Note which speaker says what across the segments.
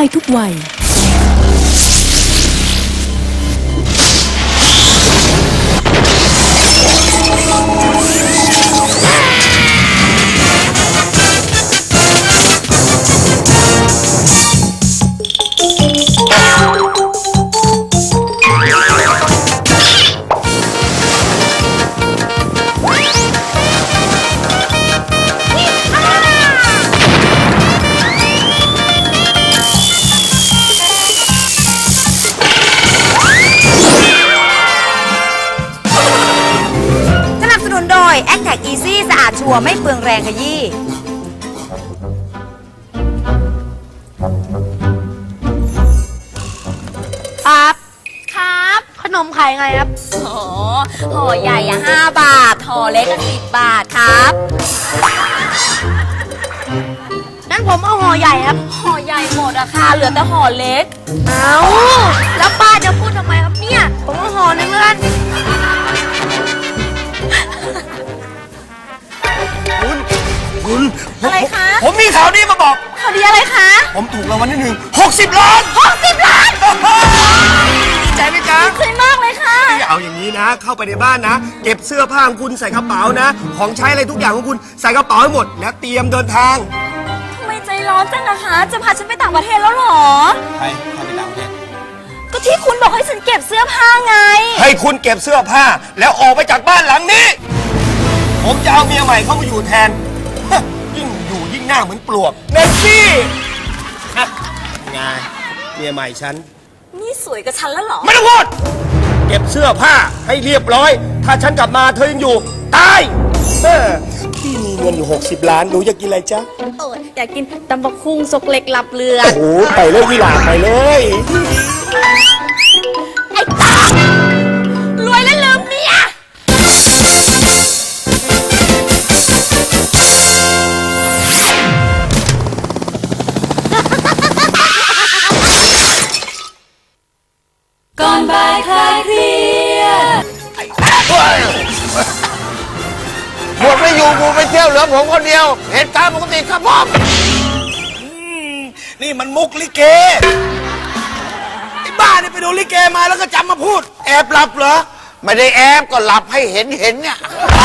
Speaker 1: ทุกวัย
Speaker 2: แอคแท็กอีซี่สะอาดชัวร์ไม่เปลืองแรงขยี้ครับครับขนมขายไงครับห่อใหญ่อะ5 บาทห่อเล็ก10 บาทครับงั้นผมเอาห่อใหญ่ครับห่อใหญ่หมดอะค่ะเหลือแต่ห่อเล็กเอาแล้วป้าจะพูดทำไมครับเนี่ยผมเอาห่อนึงแล้วกัน
Speaker 3: คุณ
Speaker 2: อะไรคะ
Speaker 3: ผมมีข่าวดีมาบอก
Speaker 2: ข่าวดีอะไรคะ
Speaker 3: ผมถูกรางวัลที่60 ล้าน
Speaker 2: 60 ล้าน
Speaker 3: ดีใจไหมจ๊ะ
Speaker 2: ดีใจมากเลยค่ะ
Speaker 3: เอาอย่างนี้นะ เข้าไปในบ้านนะเก็บเสื้อผ้าของคุณใส่กระเป๋านะของใช้อะไรทุกอย่างของคุณใส่กระเป๋าให้หมดแล้วเตรียมเดินทาง
Speaker 2: ทำไมใจร้อนจังนะคะจะพาฉันไปต่างประเทศแล้วหรอ
Speaker 3: ใครไปต่างประเทศ
Speaker 2: ก็ที่คุณบอกให้ฉันเก็บเสื้อผ้าไง
Speaker 3: ให้คุณเก็บเสื้อผ้าแล้วออกไปจากบ้านหลังนี้ผมจะเอาเมียใหม่เข้ามาอยู่แทนยิ่งอยู่ยิ่งหน้าเหมือนปลวกเนสซี่ไงเมียใหม่ฉัน
Speaker 2: นี่สวยกับฉันแล้วเหรอ
Speaker 3: ไม่ต้องพูดเก็บเสื้อผ้าให้เรียบร้อยถ้าฉันกลับมาเธอยังอยู่ตายพี่มีเงินอยู่60 ล้านหนูอยากกินอะไรจ๊ะ
Speaker 2: อยากกินตำบักหุ่งซกเล็กหลับเรือ
Speaker 3: โอ้โหไปเลยวิลาไปเลย
Speaker 2: ไอ้ตารวยแล้วลืมเมียก่อนบ่ายคลายเครียด
Speaker 3: หมดไม่อยู่กูไปเที่ยวเหลือผมคนเดียวเหตุการณ์ปกติครับผมนี่มันมุกลิเกไอ้บ้านี่ไปดูลิเกมาแล้วก็จำมาพูดแอบหลับเหรอไม่ได้แอบก็หลับให้เห็นเนี่ย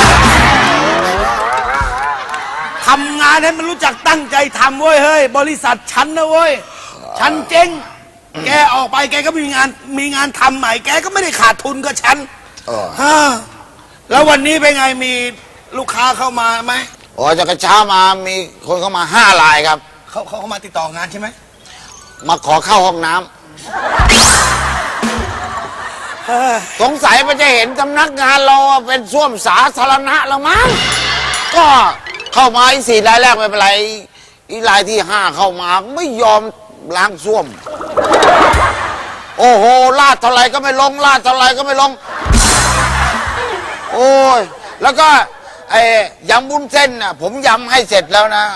Speaker 3: ทำงานให้มันรู้จักตั้งใจทำเว้ยเฮ้ยบริษัทฉันนะเว้ยฉันเจ๊งแกออกไปแกก็มีงานทำใหม่แกก็ไม่ได้ขาดทุนกับฉันแล้ววันนี้เป็นไงมีลูกค้าเข้ามาไหมอ๋อจากกระเช้ามามีคนเข้ามา5 รายครับเขามาติดต่องานใช่ไหมมาขอเข้าห้องน้ำสงสัยมันจะเห็นสำนักงานเราเป็นส้วมสาธารณะแล้วมั้งก็เข้ามาอีก4 รายแรกไม่เป็นไรอีรายที่ 5เข้ามาไม่ยอมล้างส้วมโอ้โหลาดเท่าไรก็ไม่ลงลาดเท่าไรก็ไม่ลงโอ้ยแล้วก็ไอ้ยำบุ้นเส้นน่ะผมยำให้เสร็จแล้วนะ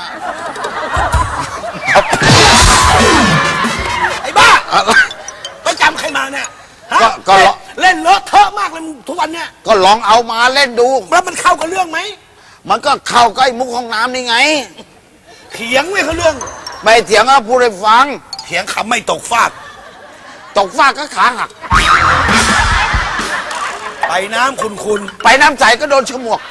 Speaker 3: ไอ้บ้าไปจำใครมาเนี่ยก็เล่นเลอะเทอะมากเลยทุกวันเนี่ยก็ลองเอามาเล่นดูแล้วมันเข้ากับเรื่องไหมมันก็เข้ากับไอ้มุกห้องน้ำนี่ไงเถียงไม่เข้าเรื่องไม่เถียงก็พูดให้ฟังเถียงคำไม่ตกฟากก็ขาหักไปน้ำคุณไปน้ำใสก็โดนฉมวก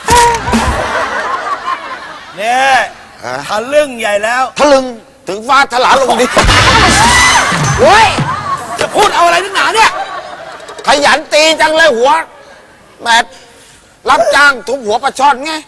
Speaker 3: เนี่ยทะลึ่งใหญ่แล้วทะลึ่งถึงฟ้าถลาลงดิโว้ยจะพูดเอาอะไรนักหนาเนี่ยขยันตีจังเลยหัวแบบรับจ้างทุบหัวปลาช่อนไง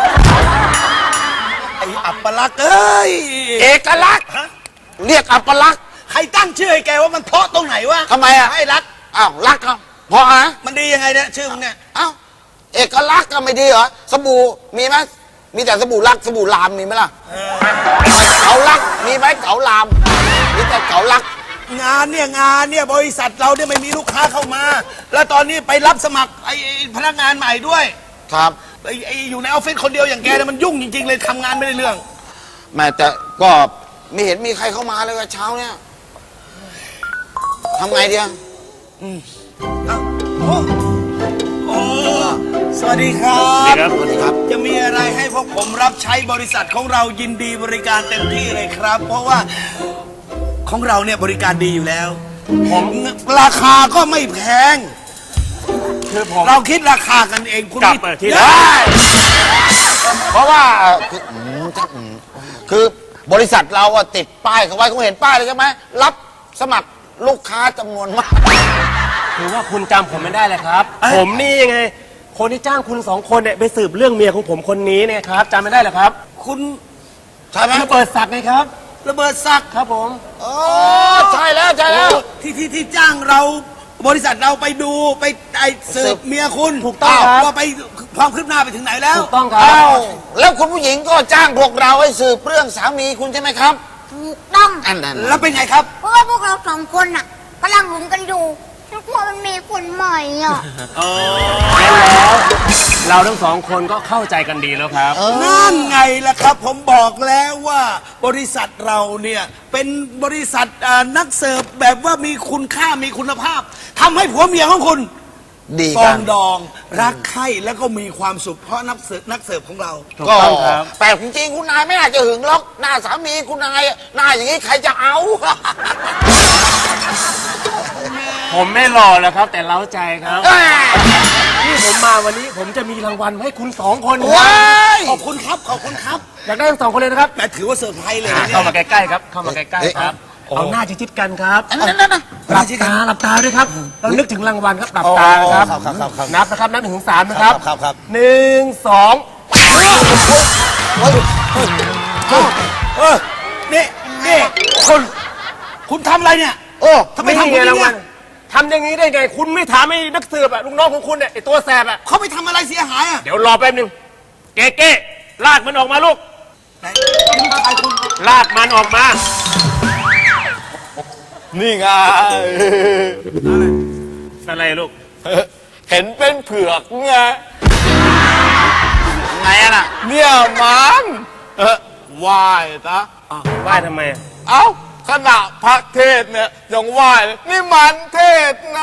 Speaker 3: ไอ้อัปลักษณ์เอ้ยเอกลักษณ์เรียกอัปลักษณ์ใครตั้งชื่อให้แกว่ามันเพราะตรงไหนวะทำไมอ่ะให้รักอ้าวรักเขาเพราะอะไรมันดียังไงเนี่ยชื่อมึงเนี่ยอ้าวเอกลักษณ์ก็ไม่ดีเหรอสบู่มีไหมมีแต่สบู่รักสบู่ลามมีไหมล่ะเก๋ารักมีไหมเก๋าลามมีแต่เก๋ารักงานเนี่ยบริษัทเราเนี่ยไม่มีลูกค้าเข้ามาแล้วตอนนี้ไปรับสมัครไอ้พนักงานใหม่ด้วยครับไอ้อยู่ในออฟฟิศคนเดียวอย่างแกเนี่ยมันยุ่งจริงๆเลยทำงานไม่ได้เรื่องแม่แต่ก็ไม่เห็นมีใครเข้ามาเลยเช้าเนี่ยทำไงดีอ่ะสวัสดีครับสวัสดีครับจะมีอะไรให้พวกผมรับใช้บริษัทของเรายินดีบริการเต็มที่เลยครับเพราะว่าของเราเนี่ยบริการดีอยู่แล้วราคาก็ไม่แพง
Speaker 1: คือผม
Speaker 3: เราคิดราคากันเองคุณ
Speaker 1: กลับ
Speaker 3: ไม่
Speaker 1: มาที่
Speaker 3: ได้
Speaker 4: เพราะว่าคือบริษัทเราอะติดป้ายเขาไว้คุณเห็นป้ายเลยใช่ไหมรับสมัครลูกค้าจำนวนมาก
Speaker 1: คือว่าคุณจำผมไม่ได้เลยครับ ผมนี่ยังไง คนที่จ้างคุณสองคนเนี่ยไปสืบเรื่องเมียของผมคนนี้เนี่ยครับจำไม่ได้เหรอครับ
Speaker 3: คุณ
Speaker 4: ใช่ไหม
Speaker 1: ระเบิดศักดิ์ไงครับ
Speaker 3: ระเบิดศักดิ์
Speaker 1: ครับผม
Speaker 4: โอ้ใช่แล้วใช่แล้ว
Speaker 3: ที่จ้างเราบริษัทเราไปดูไปสืบเมียคุณ
Speaker 1: ถูกต้องครับ
Speaker 3: ว่าไปความคืบหน้าไปถึงไหนแล้ว
Speaker 1: ถูกต้องครับ
Speaker 4: อ้าวแล้วคุณผู้หญิงก็จ้างพวกเราให้สืบเรื่องสามีคุณใช่ไหมครับ
Speaker 5: ถูกต้อง
Speaker 4: อันนั้น
Speaker 3: แล้วเป็นไงครับ
Speaker 5: เพราะว่าพวกเราสองคนน่ะกำลังหึงกันอยู่แล้วกลัวมันมีคนใหม่อ่ะ
Speaker 1: แล้วเราทั้งสองคนก็เข้าใจกันดีแล้วครับ
Speaker 3: นั่นไงล่ะครับ ผมบอกแล้วว่าบริษัทเราเนี่ยเป็นบริษัทนักเสิร์ฟแบบว่ามีคุณค่ามีคุณภาพทำให้ผัวเมียของคุณ
Speaker 4: ดี
Speaker 3: ป
Speaker 4: กั
Speaker 3: อน งดองรักใคร่แล้วก็มีความสุขเพราะนักเสิร์ฟของเรา
Speaker 1: ถูก
Speaker 4: ก็
Speaker 1: ต้องครับ
Speaker 4: แปลกจริงๆคุณนายไม่น่าจะหึงหรอกหน้าสามีคุณนายหน้าอย่างนี้ใครจะเอา
Speaker 1: ผมไม่หล่อแล้วครับ แต่เล้าใจครับที่ผมมาวันนี้ผมจะมีรางวัลให้คุณสองคนครั
Speaker 4: ว้า
Speaker 1: บ
Speaker 4: ย
Speaker 3: ขอบคุณครับขอบคุณครับ
Speaker 1: อยากได้ทั้งสองคนเลยนะครับ
Speaker 3: แต่ถือว่าเซอร์ไพรส์เลยนะเนี่ย
Speaker 1: เข้ามาใกล้ๆครับ เข้ามาใกล้ๆครับ เอาหน้าชิดๆกันครับ
Speaker 4: อันนั้นนะ
Speaker 1: หลับตาด้วยครับ เรานึกถึงรางวัลครับหลับตานะครับ นับนะครับนับถึง3นะครับ
Speaker 3: ครับ
Speaker 1: 1 2
Speaker 3: นี่คุณทำอะไรเนี่ย
Speaker 4: โอ้
Speaker 3: ทำไมทำแบบนี้
Speaker 1: รางวั
Speaker 3: เนี่ย
Speaker 1: ลทำอย่างนี้ได้ไง คุณไม่ถามไอ้นักสืบอะลูกน้องของคุณเนี่ยไอ้ตัวแสบอะ
Speaker 3: เขาไปทำอะไรเสียหายอ่ะ
Speaker 1: เดี๋ยวรอแป๊บนึงเก๊ลากมันออกมาลูก
Speaker 3: ไหนใครคุณ
Speaker 1: ลากมันออกมา
Speaker 6: นี่ไง
Speaker 1: อะไรลูก
Speaker 6: เห็นเป็นเผือกไง
Speaker 4: ไงอะน่ะ
Speaker 6: เนี่ยมันว่ายนะ
Speaker 1: ไหว้ทำไมอะ
Speaker 6: เอ้าขณะพระเทศเนี่ยยังว่ายเลยนี่มันเทศนะ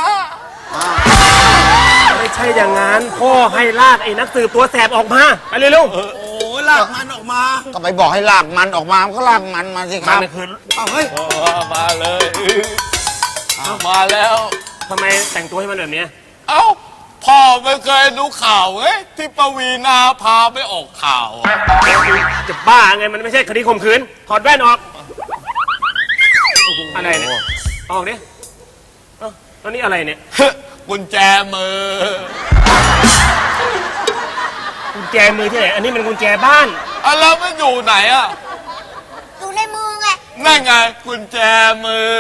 Speaker 1: ไม่ใช่อย่างนั้นพ่อให้ลากไอ้นักสืบตัวแสบออกมาไปเลยลูก
Speaker 3: โอ้ลากมันออกมา
Speaker 4: ก็ไปบอกให้ลากมันออกมามันก็ลากมันมาสิค
Speaker 1: มั
Speaker 4: รับ
Speaker 1: นคือ
Speaker 3: เอาเฮ้ย
Speaker 6: มาเลยมาแล้ว
Speaker 1: ทำไมแต่งตัวให้มันแบบเนี้ย
Speaker 6: เอ้าพ่อไม่เคยดูข่าวเอ้ยที่ปวีนาพาไปออกข่าวอะ
Speaker 1: จะบ้าไงมันไม่ใช่คดีข่มขืนถอดแว่นออกอะไรเนี่ยออกดิเอ้าแล้วนี่อะไรเนี่ย
Speaker 6: กุญแจมือ
Speaker 1: กุญแจมือที่ไหนอันนี้มันกุญแจบ้าน
Speaker 6: อ่ะแล้วมันอยู่ไหนอ่ะ
Speaker 5: อยู่ในมือไง
Speaker 6: นั่นไงกุญแจมือ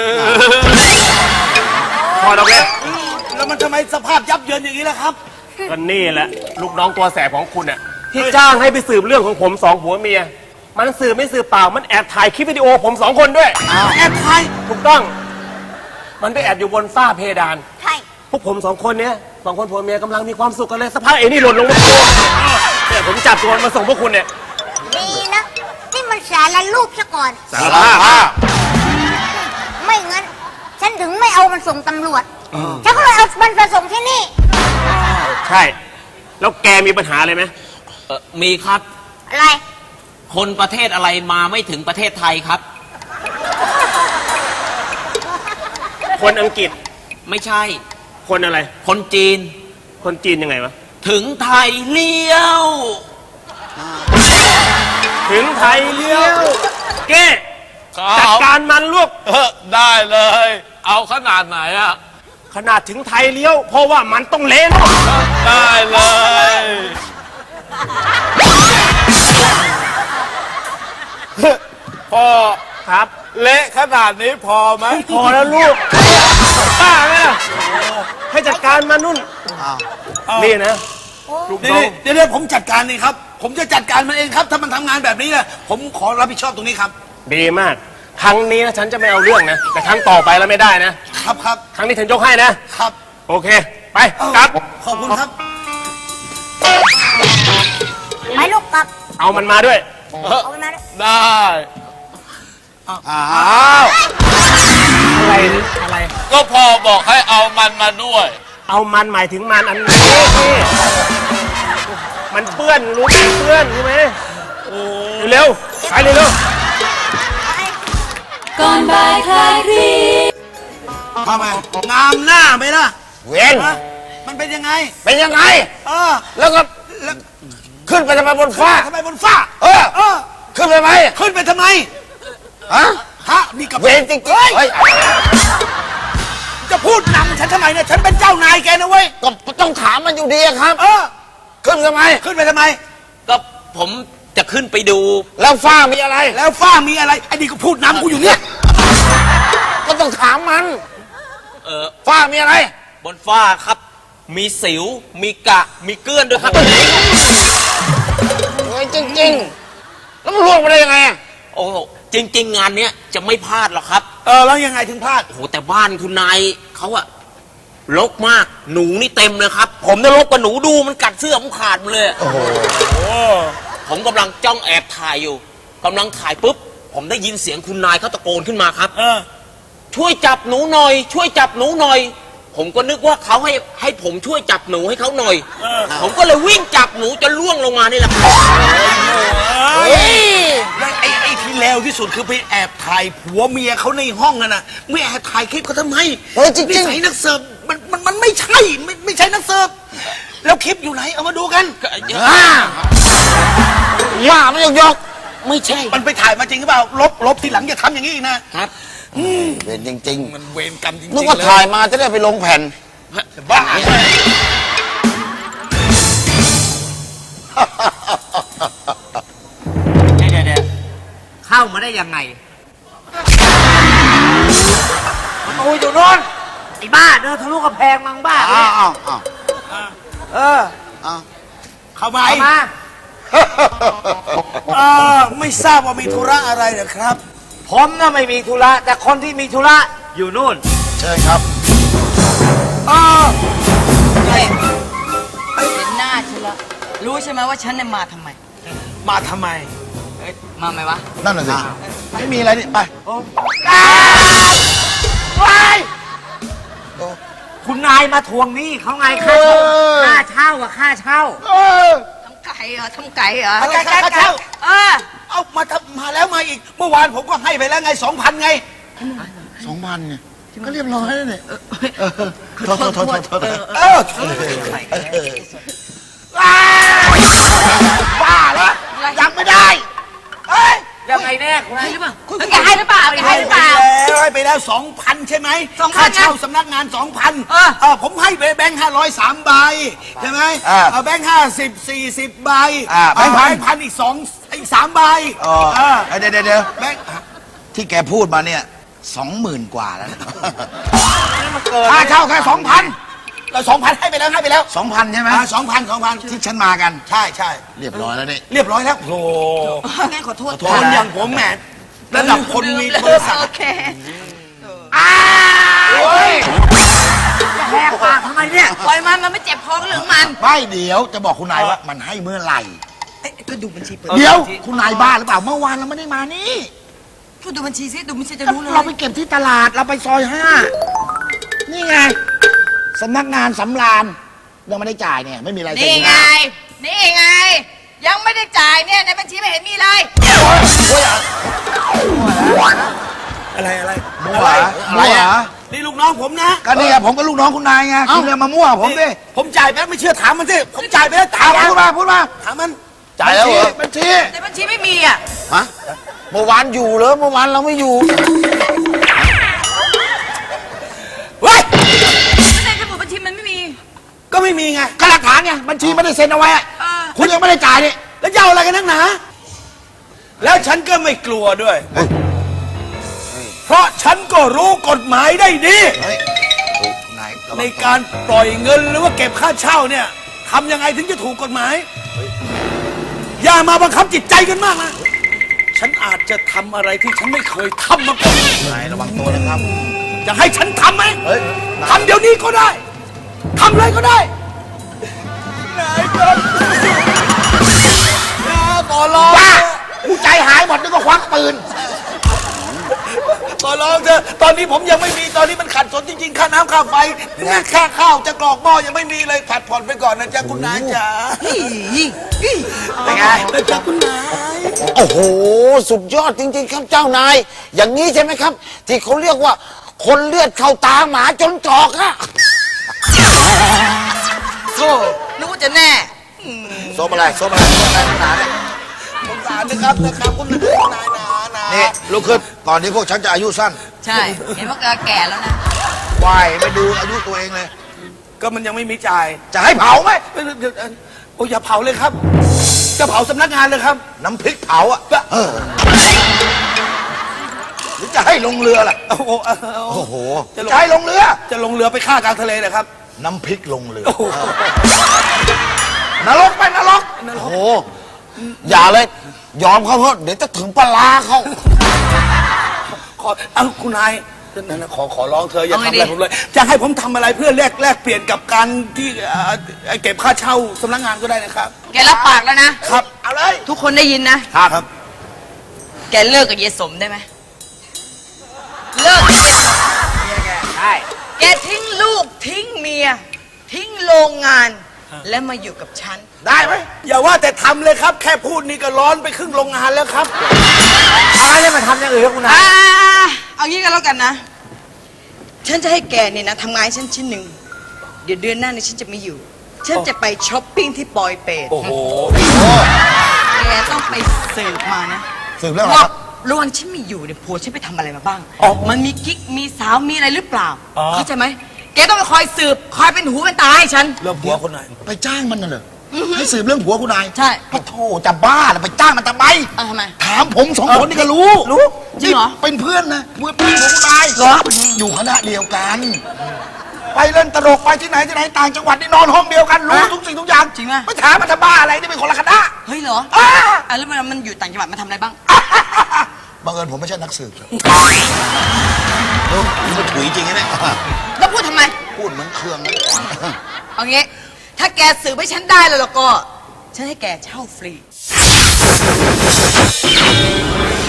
Speaker 1: ถอดออกเลย
Speaker 3: แล้วมันทำไมสภาพยับเยินอย่างนี้ล่ะครับ
Speaker 1: ก็นี่แหละลูกน้องตัวแสบของคุณน่ะที่จ้างให้ไปสืบเรื่องของผมสองผัวเมีย มันสืบไม่สืบเปล่ามันแอบถ่ายคลิปวิดีโอผมสองคนด้วย
Speaker 3: แอบถ่าย
Speaker 1: ถูกต้อง มันไปแอบอยู่บนฝ้าเพดาน
Speaker 5: ใช่
Speaker 1: พวกผมสองคนเนี้ยสองคนผัวเมียกำลังมีความสุขกันเลยสักพักไอ้นี่หล่นลงมาตัวเนี่ยผมจับตัวมันมาส่งพวกคุณเนี่ย
Speaker 5: ดีนะที่มันสารรูปซะก่อน
Speaker 1: สารภาพ
Speaker 5: ไม่งั้น ฉันถึงไม่เอามันส่งตำรวจ ฉันก็เลยเอามันไปส่งที่นี่
Speaker 1: ใช่ แล้วแกมีปัญหาอะไรไหม
Speaker 7: มีครับ
Speaker 5: อะไร
Speaker 7: คนประเทศอะไรมาไม่ถึงประเทศไทยครับ
Speaker 1: คนอังกฤษ
Speaker 7: ไม่ใช่
Speaker 1: คนอะไร
Speaker 7: คนจีน
Speaker 1: คนจีนยังไงวะ
Speaker 7: ถึงไทยเลี้ยว
Speaker 1: ถึงไทยเลี้ยวแก
Speaker 6: ครับ
Speaker 1: จัดการมันลูก
Speaker 6: ได้เลย เอาขนาดไหนอ่ะ
Speaker 1: ขนาดถึงไทยเลี้ยว เพราะว่ามันต้องเละลูก
Speaker 6: ได้เลย พ่อ
Speaker 1: ครับ
Speaker 6: เละขนาดนี้พอไหม
Speaker 1: พอแล้วลูกบ้าไหมล่ะให้จัดการมันนุ่นนี่นะลูกน้อง
Speaker 3: เดี๋ยวผมจัดการเองครับ ผมจะจัดการมันเองครับ ถ้ามันทำงานแบบนี้นะผมขอรับผิดชอบตรงนี้ครับ
Speaker 1: ดีมาก ครั้งนี้นะฉันจะไม่เอาเรื่องนะ แต่ครั้งต่อไปแล้วไม่ได้นะ
Speaker 3: ครับครับ
Speaker 1: ครั้งนี้ฉันยกให้นะ
Speaker 3: ครับ
Speaker 1: โอเค ไปกลับ
Speaker 3: ขอบคุณครับ
Speaker 5: ไปลูกกลับ
Speaker 1: เอามันมาด้วย
Speaker 5: เอามันมาด้วย
Speaker 6: ได้
Speaker 4: อ้าว
Speaker 1: อะไรอะไร
Speaker 6: ก็พ่อบอกให้เอามันมาด้วย
Speaker 1: เอามันหมายถึงมันอันนี้นี่มันเปื้อนรู้ไหมเปื้อนรู้ไหมเร็วๆไปเร็ว
Speaker 2: ก่อนบ่ายคลายเครียด
Speaker 3: ทำไมงามหน้าไหมล่ะ
Speaker 4: เวน
Speaker 3: ฮะมันเป็นยังไง
Speaker 4: เป็นยังไง
Speaker 3: เออ
Speaker 4: แล้วก็ขึ้นไปทำไมบนฟ้า
Speaker 3: ทำไมบนฟ้า
Speaker 4: เออ
Speaker 3: เออ
Speaker 4: ขึ้นไปไหม
Speaker 3: ขึ้นไปทำไม
Speaker 4: ฮะ
Speaker 3: ฮะนี่กับ
Speaker 4: เวนจริงๆเฮ้ย
Speaker 3: จะพูดนำฉันทำไมเนี่ยฉันเป็นเจ้านายแกนะเว้ย
Speaker 4: ก็ต้องถามมันอยู่ดีอะครับ
Speaker 3: เออ
Speaker 4: ขึ้นทำไม
Speaker 3: ขึ้นไปทำไม
Speaker 7: ก็ผมจะขึ้นไปดู
Speaker 4: แล้วฟ้ามีอะไร
Speaker 3: แล้วฟ้ามีอะไรไอ้นี่ก็พูดนำกูอยู่เนี่ย
Speaker 4: ก็ต้องถามมัน
Speaker 7: เออ
Speaker 4: ฟ้ามีอะไร
Speaker 7: บนฟ้าครับ มีสิว มีกะ มีเกลื่อนด้วยครับ
Speaker 4: เฮ้ยจริงๆ แล้วมันล่วงไปได้ยังไงอะ
Speaker 7: โอ้โหจริง ๆ งานเนี้ยจะไม่พลาดหรอกครับ
Speaker 3: เออแล้วยังไงถึงพลาด
Speaker 7: โอ้โหแต่บ้านคุณนายเขาอะรกมาก หนูนี่เต็มเลยครับ ผมเนี่ยรกกว่าหนูดูมันกัดเสื้อผมขาดหมดเลยอะผมกำลังจ้องแอบถ่ายอยู่กำลังถ่ายปุ๊บ ผมได้ยินเสียงคุณนายเขาตะโกนขึ้นมาครับ
Speaker 3: เออ
Speaker 7: ช่วยจับหนูหน่อย ช่วยจับหนูหน่อย ผมก็นึกว่าเขาให้ผมช่วยจับหนูให้เขาหน่อย ผมก็เลยวิ่งจับหนูจนล่วงลงมานี่แหละครับ
Speaker 3: แล้วไอ้ที่เลวที่สุดคือไปแอบถ่ายผัวเมียเขาในห้องน่ะไม่แอบถ่ายคลิปเขาทำไม
Speaker 4: เฮ้ยจริงๆ
Speaker 3: นิสัยนักเสิร์ฟมันไม่ใช่ไม่ใช่นักเสิร์ฟแล้วคลิปอยู่ไหนเอามาดูกัน
Speaker 4: ว่าไม่ยก
Speaker 7: ไม่ใช่
Speaker 3: มันไปถ่ายมาจริงหรือเปล่าลบทีหลังอย่าทำอย่างนี้อีกนะครับ
Speaker 4: เวนจริง
Speaker 3: มันเวรกรรมจริง
Speaker 4: ๆ
Speaker 3: ๆ
Speaker 4: นึกว่า
Speaker 3: เลย
Speaker 4: ถ่ายมาจะได้ไปลงแผ่น
Speaker 3: บ้า
Speaker 7: เดี๋ยวเข้ามาได้ยังไง
Speaker 3: มันอูอยู่โน่น
Speaker 7: ไอ้บ้าเดินทะลุกระแพงมังบ้า
Speaker 4: อ้าวอ้าวอ้าว
Speaker 3: เออ
Speaker 4: อ้าว
Speaker 3: เข้ามาไม่ทราบว่ามีธุระอะไรเหรอครับ
Speaker 8: ผมน่ะไม่มีธุระแต่คนที่มีธุระอยู่นู่น
Speaker 4: เชิญครับ
Speaker 9: เห็นหน้าฉันละรู้ใช่ไหมว่าฉันเนี่ยมาทำไม
Speaker 3: มาทำไม
Speaker 9: มาไหมวะ
Speaker 4: นั่นน่ะสิ ไม่มีอะไรนี่ ไป
Speaker 8: คุณนายมาทวงหนี้เขาไงค่าเช่าค่าเช่าอะค่าเช่า
Speaker 9: ทำไก่เหรอทำไก่เหรอ
Speaker 3: อะไรค่าเช่า
Speaker 9: เออ
Speaker 3: มาแล้วมาอีก เมื่อวานผมก็ให้ไปแล้วไง 2,000 ไง
Speaker 4: 2,000เนี่ยก็เรียบร้อยแล้วเนี่ยโทษ
Speaker 3: เออ
Speaker 4: บ้าแล้วยังไม่ได้
Speaker 8: ยังไงแน่คุณนาย
Speaker 9: แกให้หรือเปล่าแกให้หรือเปล่า
Speaker 3: ให้ไปแล้ว 2,000 ใช่ไหม
Speaker 9: 2,000
Speaker 3: ค่าเช่าสำนักงาน 2,000ผมให้ไปแบงค์500 3 ใบ ใช่ไหมแบงค์50 40 ใบแบงค์พันอีก3 ใบ
Speaker 10: เดี๋ยว
Speaker 3: แบงค์
Speaker 10: ที่แกพูดมาเนี่ย 20,000 กว่าแล้วนะ
Speaker 3: ค่าเช่าแค่ 2,000เรา2,000 ให้ไปแล้ว
Speaker 10: 2,000 ใช่ไหม
Speaker 3: 2,000
Speaker 10: ที่ฉันมากัน
Speaker 3: ใช่
Speaker 10: เรียบร้อยแล้วนี่
Speaker 3: เรียบร้อยแล้วโอ้
Speaker 9: งั้นขอโทษ
Speaker 3: คนอย่างผมแหมระดับคนมีบริษัท
Speaker 9: โอเค
Speaker 8: แหกปากทำไมเนี่ย
Speaker 9: ปล่อยมันไม่เจ็บคอก็เรื่องมัน
Speaker 10: ไม่เดี๋ยวจะบอกคุณนายว่ามันให้เมื่อไหร่
Speaker 3: ก็ดูบัญชีเปิด
Speaker 10: เดี๋ยวคุณนายบ้าหรือเปล่า เมื่อวานเราไม่ได้มานี่
Speaker 9: พูดดูบัญชีสิดูบัญชีจะรู้เลย
Speaker 10: เราไปเก็บที่ตลาดเราไปซอย 5 นี่ไงสำนักงานสำราญยังไม่ได้จ่ายเนี่ยไม่มีอะไรเซ็
Speaker 9: นี่
Speaker 10: น
Speaker 9: ไง นี่ไง ยังไม่ได้จ่ายเนี่ยในบัญชีไม่เห็นมีเลย
Speaker 3: อะไร
Speaker 10: มั่วเหรออะไรอ่ะ
Speaker 3: นี่ลูกน้องผมนะ
Speaker 10: ก็นี่อะผมก็ลูกน้องคุณนายไงคุณเนี่ยมามั่วผมดิ
Speaker 3: ผมจ่ายไปแล้วไม่เชื่อถามมันสิผมจ่ายไปแล้วถาม
Speaker 10: พูดมา
Speaker 3: ถามมัน
Speaker 4: จ่ายแล้วเหรอ
Speaker 10: บัญชี
Speaker 9: ในบัญชีไม่มีอ่ะ
Speaker 4: ฮะเมื่อวานอยู่เหรอเมื่อวานเราไม่อยู่
Speaker 3: เฮ้ย
Speaker 9: ในสมุดบัญชีมันไม่มี
Speaker 3: ก็ไม่มีไง
Speaker 10: ก็หลักฐานไงบัญชีไม่ได้เซ็นเอาไว้อะ
Speaker 9: เออ
Speaker 10: คุณยังไม่ได้จ่ายนี่
Speaker 3: แล้วจะเอาอะไรกันนักหนาแล้วฉันก็ไม่กลัวด้วย เพราะฉันก็รู้กฎหมายได้ดี
Speaker 10: นาย
Speaker 3: ในการปล่อยเงินหรือว่าเก็บค่าเช่าเนี่ยทำยังไงถึงจะถูกกฎหมาย อย่ามาบังคับจิตใจกันมากนะ ฉันอาจจะทำอะไรที่ฉันไม่เคยทำมาก่อน
Speaker 10: นายระวังตัวนะครับ
Speaker 3: จะให้ฉันทำไหม
Speaker 10: เฮ้ย
Speaker 3: ทำเดี๋ยวนี้ก็ได้ทำเลยก็ได้นายครับขอร้อง
Speaker 10: กูใจหายหมดนึกว่าควักปืน
Speaker 3: ขอร้องเถอะตอนนี้ผมยังไม่มีตอนนี้มันขัดสนจริงๆค่าน้ำค่าไฟค่าข้าวจะกรอกหม้อยังไม่มีเลยผัดผ่อนไปก่อนนะจ๊ะคุณนายจ๋าเป็นไงนะจ๊ะคุณนาย
Speaker 4: โอ้โห สุดยอดจริง ๆ ครับเจ้านาย อย่างนี้ใช่ไหมครับ ที่เขาเรียกว่า คนเลือดเข้าตาหมาจนตรอกอะ
Speaker 9: โธ่นึกว่าจะแน่
Speaker 4: ส้มอะไรส้มอะไรส้มอะไรหนาเนี่ย
Speaker 3: สงสารนะครับคุณนายนะ
Speaker 10: นี่ลุกขึ้นก่อนที่พวกฉันจะอายุสั้น
Speaker 9: ใช่ เห็นว่าแก่แล้วนะ
Speaker 10: วายไม่ดูอายุตัวเองเลย
Speaker 3: ก็มันยังไม่มีจ่าย
Speaker 10: จะให้เผาไหม
Speaker 3: โอ้อย่าเผาเลยครับ จะเผาสำนักงานเลยครับ
Speaker 10: น้ำพริกเผาอ่ะหรือจะให้ลงเรือล่ะ
Speaker 3: โอ้โห
Speaker 10: โอ้โห
Speaker 3: จะ
Speaker 10: จะให้ลงเรือ
Speaker 3: จะลงเรือไปฆ่ากลางทะเลเลยครับ
Speaker 10: น้ำพริกลงเรือนรกไปนรก
Speaker 4: โอ้โห อย่าเลย ยอมเขาเถอะเดี๋ยวจะถึงปลาร้าเขา
Speaker 3: คุณนายนั่นนะขอร้องเธออย่า
Speaker 9: เอาไง
Speaker 3: ทำอะไร
Speaker 9: ดี
Speaker 3: ผมเลย จะให้ผมทำอะไรเพื่อแลกเปลี่ยนกับการที่เก็บค่าเช่าสำนักงานก็ได้นะครับ
Speaker 9: แกรับปากแล้วนะ
Speaker 3: ครับ เอาเลย
Speaker 9: ทุกคนได้ยินนะ
Speaker 3: ครับ
Speaker 9: แกเลิกกับเยายสมได้ไหม เลิกกับเยายสม
Speaker 8: ใช่
Speaker 9: แกทิ้งลูกทิ้งเมีย ทิ้งโรงงาน และมาอยู่กับฉัน
Speaker 3: ได้ไหมอย่าว่าแต่ทำเลยครับ แค่พูดนี่ก็ร้อนไปครึ่งโรงงานแล้วครับ
Speaker 8: อะไรเนี่ยมาทำอย่างอื่นครับคุณนาย
Speaker 9: เอางี้กันแล้วกันนะ ฉันจะให้แกเนี่ยนะทำงานให้ฉันชิ้นหนึ่ง เดี๋ยวเดือนหน้าเนี่ยฉันจะไม่อยู่ ฉันจะไปช้อปปิ้งที่ปอยเปต
Speaker 3: โอ้โห
Speaker 9: แกต้องไปสืบมานะ
Speaker 10: สืบเรื่องอะไร
Speaker 9: ว่า
Speaker 10: ครับ
Speaker 9: ระหว่างฉันไม่อยู่เนี่ยผัวฉันไปทำอะไรมาบ้าง มันมีกิ๊ก มีสาว มีอะไรหรือเปล่า เข้าใจไหม แกต้องไปคอยสืบ คอยเป็นหูเป็นตาให้ฉัน
Speaker 3: เริ่มผัวคนไหน
Speaker 10: ไปจ้างมันน่ะเหรอให้สืบเรื่องผัวคุณนาย
Speaker 9: ใช่
Speaker 10: ปะโถจะบ้าเหรอไปจ้างมันทำไม
Speaker 9: ทำไม
Speaker 10: ถามผมสองคนนี่ก็รู้
Speaker 9: จริงเหรอ
Speaker 10: นี่เป็นเพื่อนนะเพื่อนของคุณนาย
Speaker 9: เหรอ
Speaker 10: อยู่คณะเดียวกัน ไปเล่นตลกไปที่ไหนต่างจังหวัดนี่นอนห้องเดียวกันรู้ทุกสิ่งทุกอย่าง
Speaker 9: จริงไหม
Speaker 10: ไม่ถามมันจะบ้าอะไรนี่เป็นคนละคณะ
Speaker 9: เฮ้ยเหรอ
Speaker 10: อ่า
Speaker 9: แล้วมันอยู่ต่างจังหวัดมันทำอะไรบ้าง
Speaker 10: บังเอิญผมไม่ใช่นักสืบครับลูกนี่มันถุยจริงนะเนี่ย
Speaker 9: แล้วพูดทำไม
Speaker 10: พูดเหมือนเครื่องนะ
Speaker 9: เอางี้ ถ้าแกสืบให้ฉันได้แล้วก็ ฉันให้แกเช่าฟรี